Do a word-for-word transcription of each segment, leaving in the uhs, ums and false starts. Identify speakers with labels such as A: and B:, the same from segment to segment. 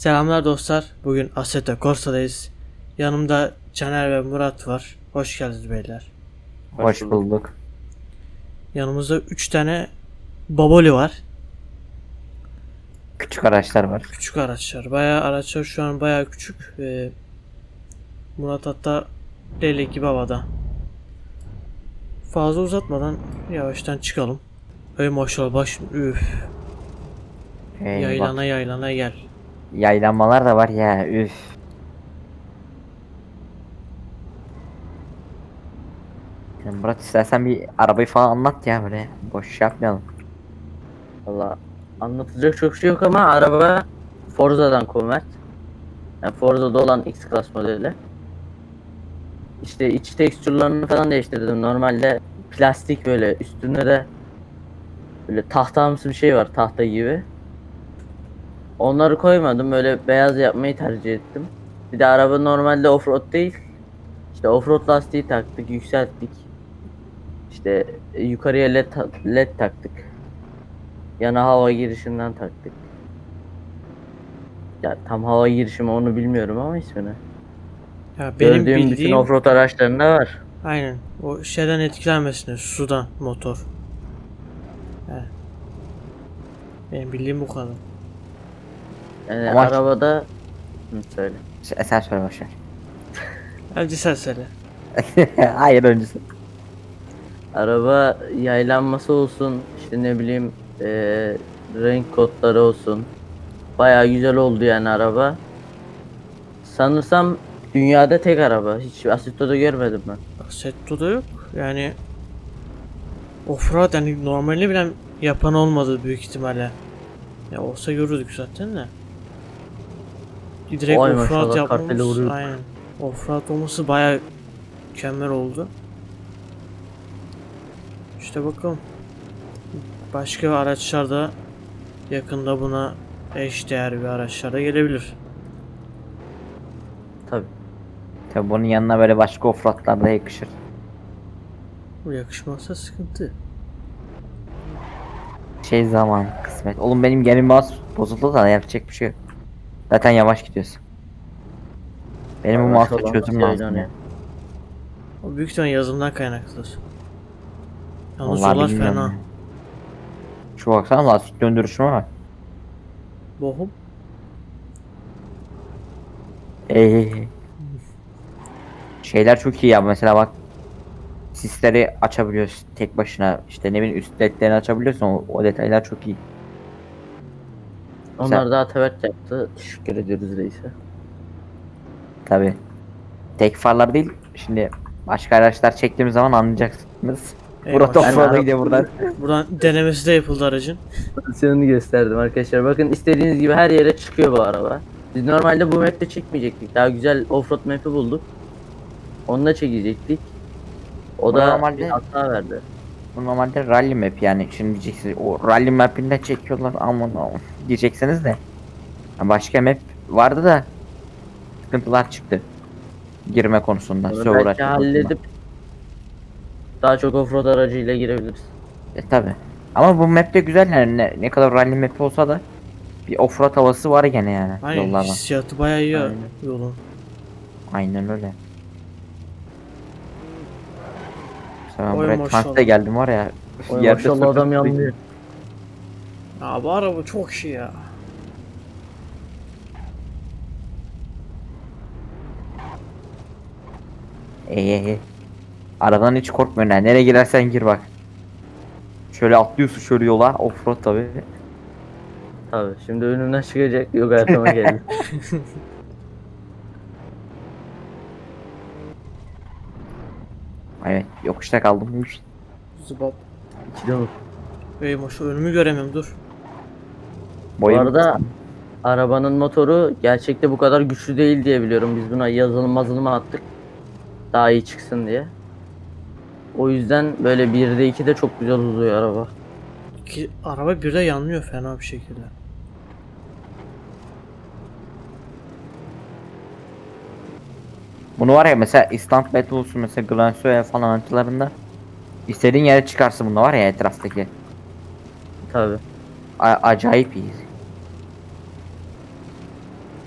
A: Selamlar dostlar. Bugün Assetto Corsa'dayız. Yanımda Caner ve Murat var. Hoş geldiniz beyler.
B: Hoş bulduk.
A: Yanımızda üç tane Baboli var.
B: Küçük araçlar var.
A: Küçük araçlar. Bayağı araçlar şu an bayağı küçük. Ee, Murat hatta leylek gibi havada. Fazla uzatmadan yavaştan çıkalım. Ey maşallah baş üf.
B: Ee,
A: Yaylana
B: bak,
A: yaylana gel.
B: yaylanmalar da var ya, üf. Yani Murat, istersen bir arabayı falan anlat ya, böyle boş şey yapmayalım.
C: Valla anlatacak çok şey yok ama araba Forza'dan convert. Yani Forza'da olan X-Class modeli. İşte iç tekstürlerini falan değiştirdim. Normalde plastik, böyle üstünde de böyle tahtamsı bir şey var, tahta gibi. Onları koymadım, böyle beyaz yapmayı tercih ettim. Bir de araba normalde offroad değil. İşte offroad lastiği taktık, yükselttik. İşte yukarıya led, ta- led taktık. Yana hava girişinden taktık. Ya tam hava girişimi onu bilmiyorum ama ismini.
A: Ya benim
C: Gördüğüm bütün
A: bildiğim
C: offroad araçlarında var.
A: aynen o şeyden etkilenmesine sudan motor. He. Benim bildiğim bu kadar.
C: Yani
B: Ama-
C: arabada Hı, söyle.
B: Sen, sen söyle, boş ver.
A: Hadi sen söyle.
B: Hayır, öncesi.
C: Araba yaylanması olsun, işte ne bileyim eee, renk kodları olsun. Bayağı güzel oldu yani araba. Sanırsam dünyada tek araba. Hiç Assetto'da görmedim ben.
A: Assetto'da yok. Yani offroad yani normalde bile yapan olmadı büyük ihtimalle. Ya olsa görürdük zaten de. Direkt
C: Oy
A: offroad
C: maşallah, kartele
A: yapmamız
C: vuruyor.
A: aynen. Offroad olması bayağı mükemmel oldu. İşte bakalım. Başka araçlar da yakında buna eş değer bir araçlar da gelebilir.
C: Tabii.
B: Tabii bunun yanına böyle başka offroadlar da yakışır.
A: Bu yakışmazsa sıkıntı.
B: Şey, zaman kısmet. Oğlum, benim geri mouse bozuldu da yapacak bir şey yok. Zaten yavaş gidiyorsun. Benim bu
C: Yavaş
B: mouse'a
C: olan
B: çözüm
C: nasıl
B: lazım
C: yaylanıyor?
B: ya.
A: O büyük ihtimalle yazılımdan kaynaklıdır. Yalnız
B: Vallahi
A: yollar
B: bilmiyorum
A: fena.
B: ya. Şu baksana, lastik döndürüşüme bak.
A: Bohum.
B: Ee, şeyler çok iyi ya, mesela bak, sisleri açabiliyorsun tek başına, işte ne bileyim üst ledlerini açabiliyorsun, o, o detaylar çok iyi.
C: Onlar da Ataberk yaptı. Teşekkür ediyoruz reise.
B: Tabi tek farlar değil, şimdi başka araçlar çektiğimiz zaman anlayacaksınız.
A: Ey
B: Murat
A: maşallah.
B: offroad'a gidiyor buradan.
A: Buradan denemesi de yapıldı aracın.
C: Pozisyonunu gösterdim arkadaşlar. Bakın, istediğiniz gibi her yere çıkıyor bu araba. Biz normalde bu map'te çekmeyecektik. Daha güzel offroad map'i bulduk. Onunla çekecektik. O
B: Bu
C: da
B: normalde-
C: bir hata verdi.
B: Bu normalde rally map, yani şimdi diyeceksiniz o rally map'inde çekiyorlar, aman aman diyeceksiniz de. Ya başka map vardı da sıkıntılar çıktı girme konusunda,
C: Onu
B: server
C: belki
B: açma konusunda.
C: halledip daha çok offroad aracıyla girebiliriz.
B: E tabi. Ama bu map de güzel yani, ne, ne kadar rally map olsa da bir offroad havası var gene yani
A: Aynen
B: yollardan.
A: hissiyatı bayağı iyi ya
C: Aynen.
A: yolun.
B: Aynen öyle. Mesela ben
A: Oy
B: buraya
A: maşallah.
B: tankta geldim var ya.
C: Oy
B: yerde
C: maşallah,
B: sırtı
C: adam
B: sırtı-
C: yanlıyor.
A: Ya bu araba çok iyi ya.
B: Eee. Aradan hiç korkmuyorsun ha. Nereye girersen gir bak. Şöyle atlıyorsun şöyle yola. Offroad tabi.
C: Tabii şimdi önümden çıkacak. Yok, hayatıma geldi.
B: Evet, yokuşta kaldım.
A: Zıbap.
C: İkide bak.
A: Ey maşallah önümü göremiyorum dur.
C: Bu arada arabanın motoru gerçekte bu kadar güçlü değil diye biliyorum. Biz buna yazılım mazılım attık. Daha iyi çıksın diye. O yüzden böyle birde ikide çok güzel uzuyor araba.
A: İki, araba birde yanmıyor fena bir şekilde.
B: Bunu var ya, mesela Instant Battle olsun, mesela Glansoya falan haritalarında istediğin yere çıkarsın, bunda var ya etraftaki.
C: Tabii.
B: A- acayip iyi.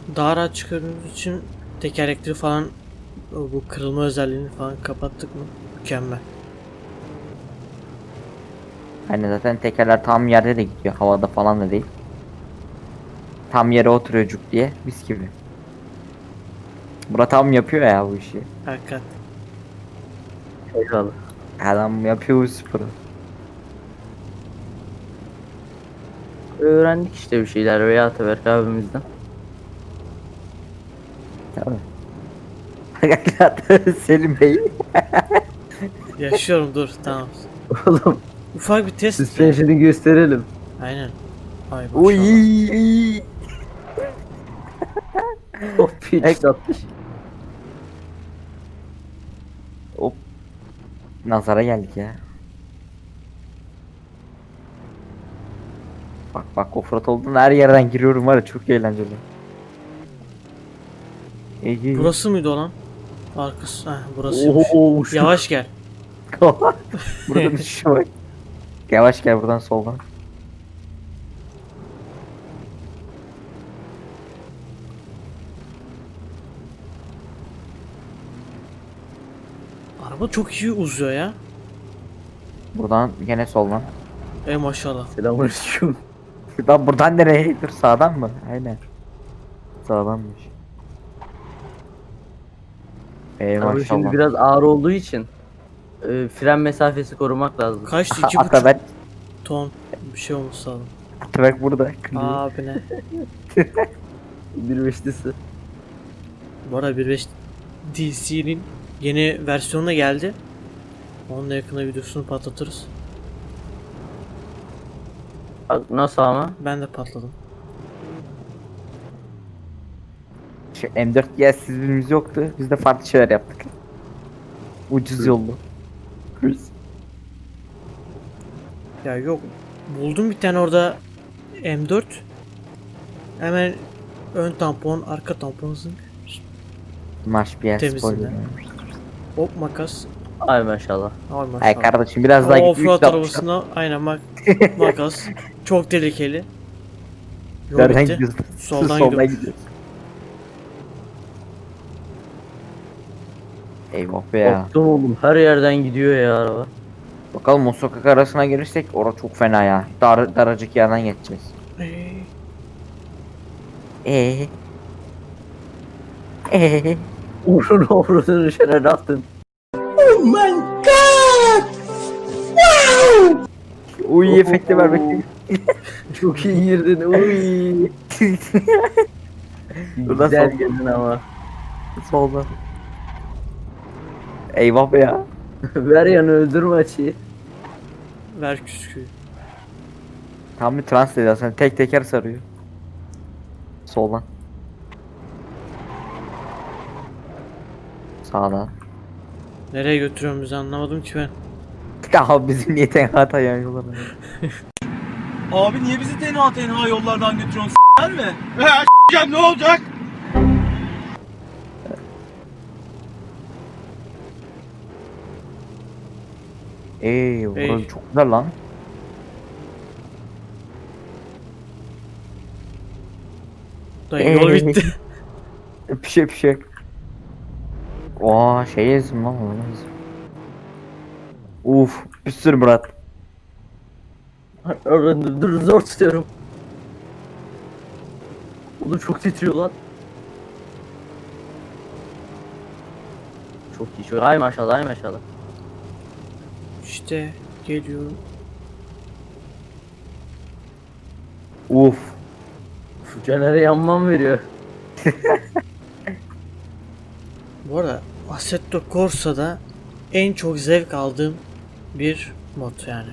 A: daha rahat çıkardığımız için tekerlekleri falan, bu kırılma özelliğini falan kapattık mı? Mükemmel.
B: Hani zaten tekerler tam yerde de gidiyor. Havada falan da değil. Tam yere oturuyor cuk diye. Mis gibi. Murat tam yapıyor ya bu işi.
A: Hakikat.
C: Eyvallah.
B: Adam yapıyor bu sporu.
C: Öğrendik işte bir şeyler veya Ataberk abimizden.
B: Tabii. Selim Bey.
A: Yaşıyorum, dur tamam.
C: Oğlum
A: Ufak bir test.
C: suspension'ı gösterelim.
A: Aynen. Ay
B: Uy.
A: maşallah.
C: Hop hiç atmış.
B: Hop. Nazara geldik ya. Bak bak offroad olduğunda her yerden giriyorum var ya, çok eğlenceli. İyi, iyi.
A: Burası mıydı olan? Arkası. Heh, burasıymış.
C: Oo, şu-
A: Yavaş gel.
B: Buradan düşüşe bak. Yavaş gel buradan soldan.
A: Araba çok iyi uzuyor ya.
B: Buradan gene soldan.
A: Ey maşallah.
C: Selamünaleyküm.
B: Lan buradan nereye? Dur, sağdan mı? Aynen. Sağdanmış. Ey
C: Araba şimdi
B: maşallah.
C: biraz ağır olduğu için e, fren mesafesi korumak lazım.
A: Kaçtı? İki buçuk
B: Atabek,
A: ton bir şey olmuş lazım.
B: Atabek burada.
A: Abi ne?
C: Bir beşlisi.
A: Bu arada bir beş D C'nin yeni versiyonu da geldi. Onun da yakında videosunu patlatırız.
C: Bak nasıl ama?
A: Ben de patladım.
B: Şu M dört yersizliğimiz yoktu. Biz de farklı şeyler yaptık. Ucuz yollu.
A: Ya yok. Buldum bir tane orada M dört. Hemen ön tampon, arka tampon zınk.
B: Marş bir yer
A: Temizinde.
B: spoiler.
A: Hop makas.
C: Ay maşallah.
A: Ay maşallah.
B: Ay kardeşim biraz daha
A: Ama
B: git.
A: offroad
B: üç altmış.
A: arabasına aynen mak makas. Çok tehlikeli. Yol
B: Nereden
A: bitti.
B: gidiyorsun?
A: Soldan
B: Soldan
A: gidiyormuş.
B: gidiyorsun. Eyvah be ya.
C: Korktum oğlum, her yerden gidiyor ya araba.
B: Bakalım o sokak arasına girirsek orası çok fena ya. Dar, daracık yerden geçeceğiz.
A: Ey,
B: Eee? Eee?
C: Uğruna uğruna düşene ne yaptın?
B: Uy efekti ver bakayım.
C: Çok iyi girdin. Uy.
B: Buradan
C: Güzel
B: sol-
C: girdin ama.
B: Soldan. Eyvah be ya.
C: Ver yanı, öldürme açıyı.
A: ver küsküyü.
B: Tam bir trans dedi aslında, tek teker sarıyor. Soldan. Sağdan.
A: Nereye götürüyorum bizi anlamadım ki ben.
B: Daha bizim niye tenha tayan yollar.
D: Abi niye bizi tenha tenha yollardan götürüyorsun s**ler mi? He s**eceğim, ne olacak?
B: Eee burası
A: Ey.
B: çok güzel lan.
A: Dayı yol
B: Ey.
A: bitti.
B: Bir şey bir şey. Oha şey yazdım lan onu. Uf bir sürü Murat.
C: Dur, dur zor tutuyorum. Oğlum çok titriyor lan. Çok iyi. Çok... Ay maşallah, ay maşallah.
A: İşte geliyorum.
B: Uf.
C: Şu Caner'e yanmam veriyor.
A: Bu arada Assetto Corsa'da en çok zevk aldığım bir mod yani.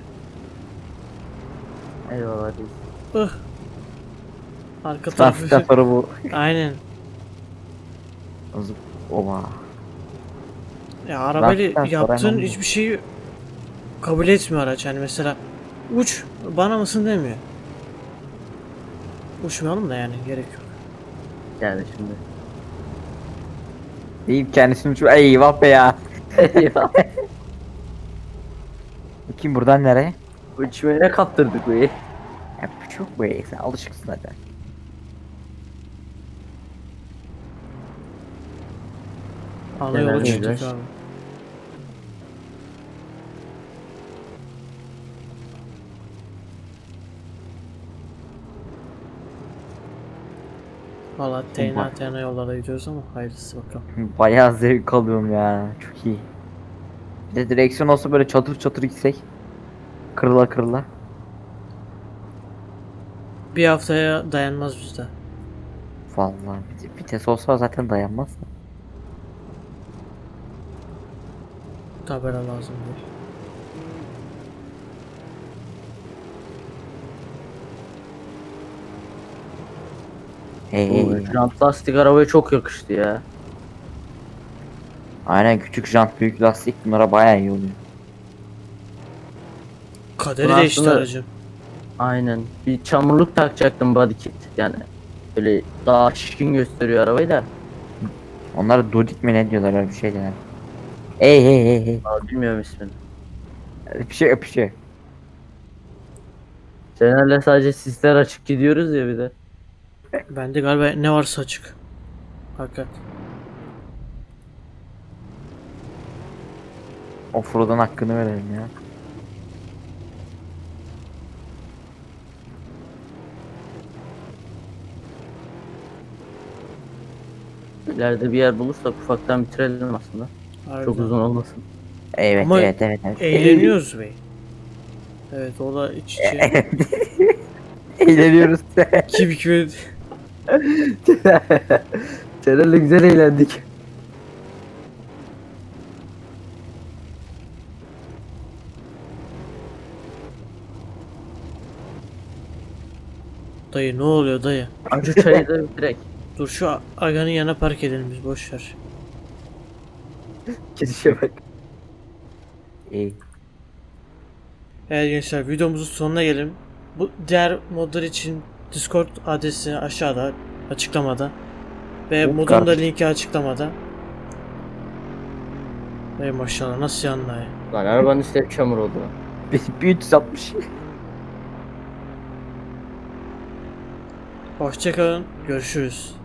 C: Eyvallah değil.
A: Ih. Arka
B: Transfer
A: tarafı.
B: sonra bu.
A: Aynen.
B: Zıp. Oha.
A: Ya arabayla
B: Transfer sonra
A: yaptığın
B: hemen bu.
A: hiçbir şeyi kabul etmiyor araç. Yani mesela uç bana mısın demiyor. Uçmayalım da yani gerek yok.
C: Yani şimdi.
B: Deyip kendisini şu eyvah be ya.
C: Eyvah.
B: Bakayım buradan nereye?
C: Uçmaya kaptırdık bu iyi.
B: Ya çok be sen alışıksın zaten.
A: Ana
C: Genel
A: yola çıktık
C: viraj.
A: abi. Valla teyna teyna yollara gidiyoruz ama hayırlısı bakalım.
B: Bayağı zevk alıyorum ya. Çok iyi. Bir de direksiyon olsa böyle çatır çatır gitsek. Kırıla kırıla.
A: Bir haftaya dayanmaz bizde.
B: Vallahi vit- vites olsa zaten dayanmaz.
A: Tabela lazım değil.
B: Hey,
C: Bu
B: hey.
C: jant lastik arabaya çok yakıştı ya.
B: Aynen, küçük jant büyük lastik bunlara bayağı iyi oluyor.
A: Kaderi
C: Bunu
A: değişti
C: aslında-
A: aracın.
C: Aynen. Bir çamurluk takacaktım body kit yani. Böyle daha şişkin gösteriyor arabayı da.
B: Onlara dodik mi ne diyorlar, öyle bir şey diyorlar. Hey hey hey hey.
C: Aa, bilmiyorum ismini.
B: Bir şey bir şey.
C: Senelerle sadece sisler açık gidiyoruz ya bir de.
A: Bende galiba ne varsa açık. Hakikat.
B: Offroad'un hakkını verelim ya.
C: İleride bir yer bulursak ufaktan bitirelim aslında.
A: Harbiden.
C: Çok uzun olmasın.
B: Evet
A: Ama
B: evet evet evet.
A: Eğleniyoruz bey. Evet o da iç içe.
B: Eğleniyoruz.
A: Kim kimi
C: Senelerle güzel eğlendik.
A: Dayı ne oluyor dayı?
C: Acı çayı da direkt.
A: Dur şu Aga'nın yanına park edelim biz boş ver.
C: Gidişe bak.
B: İyi.
A: Evet gençler videomuzun sonuna gelelim. Bu diğer modlar için Discord adresi aşağıda açıklamada. Ve
B: Yok
A: modun da
B: kardeşim.
A: linki açıklamada. Ey maşallah nasıl yandı ya.
C: Lan arabanın üstü hep çamur oldu.
B: Bir üç yüz altmış.
A: Hoşçakalın görüşürüz.